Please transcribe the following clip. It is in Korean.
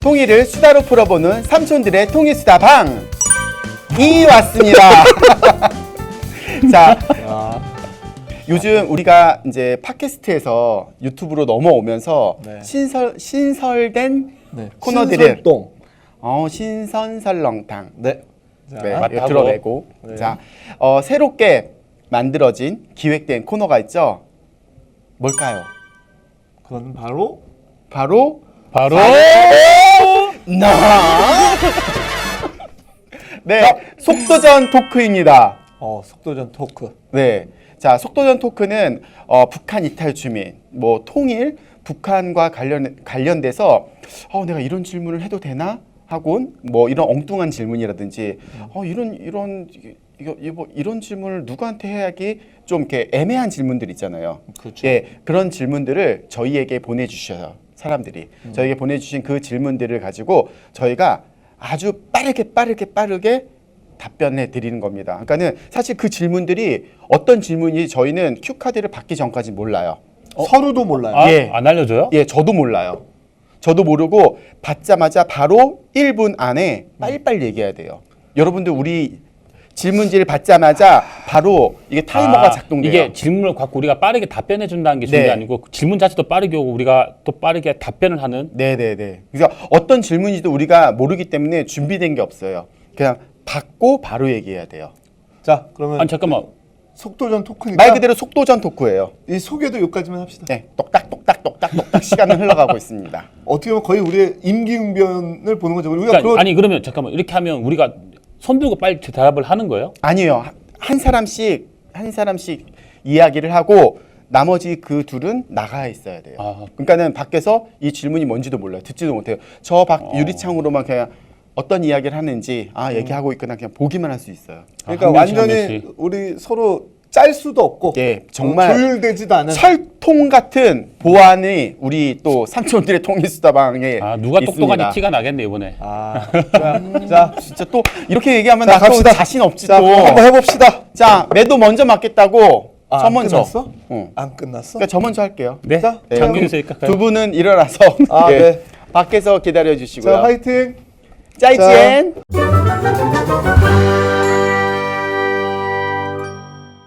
통일을 수다로 풀어보는 삼촌들의 통일수다방 이 왔습니다. 자, 요즘 우리가 이제 팟캐스트에서 유튜브로 넘어오면서 네. 신설된 네. 코너들을 신설동. 신선설렁탕 네. 자, 네, 맞다고. 드러내고 네. 자, 새롭게 만들어진 기획된 코너가 있죠. 뭘까요? 그건 바로 바로 나. 네, 속도전 토크입니다. 속도전 토크. 네, 자, 속도전 토크는 북한 이탈 주민, 뭐 통일, 북한과 관련돼서 내가 이런 질문을 해도 되나? 하곤 뭐 이런 엉뚱한 질문이라든지 이런 질문을 누구한테 해야지 좀 이렇게 애매한 질문들 있잖아요. 그렇죠. 예, 그런 질문들을 저희에게 보내주셔요. 사람들이 저희에게 보내주신 그 질문들을 가지고 저희가 아주 빠르게 답변해 드리는 겁니다. 그러니까는 사실 그 질문들이 어떤 질문이 저희는 큐 카드를 받기 전까지 몰라요. 서로도 몰라요. 예. 안 알려줘요? 예, 저도 몰라요. 저도 모르고 받자마자 바로 1분 안에 빨리빨리 얘기해야 돼요. 여러분들 우리 질문지를 받자마자 바로 이게 타이머가 작동돼요. 이게 질문을 갖고 우리가 빠르게 답변해 준다는 게 중요한 게 네. 아니고 질문 자체도 빠르게 오고 우리가 또 빠르게 답변을 하는. 네네네. 그러니까 어떤 질문인지도 우리가 모르기 때문에 준비된 게 없어요. 그냥 받고 바로 얘기해야 돼요. 자, 그러면 아니 잠깐만. 속도전 토크니까 말 그대로 속도전 토크예요. 이 소개도 여기까지만 합시다. 네, 똑딱 시간은 흘러가고 있습니다. 어떻게 보면 거의 우리의 임기응변을 보는 거죠. 우리가 그러니까, 아니 그러면 잠깐만 이렇게 하면 우리가 손 들고 빨리 대답을 하는 거예요? 아니에요. 한 사람씩 이야기를 하고 나머지 그 둘은 나가 있어야 돼요. 그러니까는 밖에서 이 질문이 뭔지도 몰라요. 듣지도 못해요. 저 밖 유리창으로만 그냥 어떤 이야기를 하는지 얘기하고 있거나 그냥 보기만 할 수 있어요. 그러니까 한 명씩, 한 완전히 명씩. 우리 서로 짤 수도 없고 예, 정말 조율되지도 않은 철통 같은 보안이 우리 또 삼촌들의 통일수다방에 누가 있습니다. 똑똑한지 티가 나겠네 이번에. 자, 진짜 또 이렇게 얘기하면 자, 나 또 갑시다. 자신 없지 자, 또. 한번 해봅시다. 자, 매도 먼저 맞겠다고. 저 안 먼저. 끝났어? 응. 안 끝났어? 그러니까 저 먼저 할게요. 네. 자, 장경수 있을까? 두 분은 일어나서 네. 밖에서 기다려 주시고요. 자, 화이팅. 짜이지엔.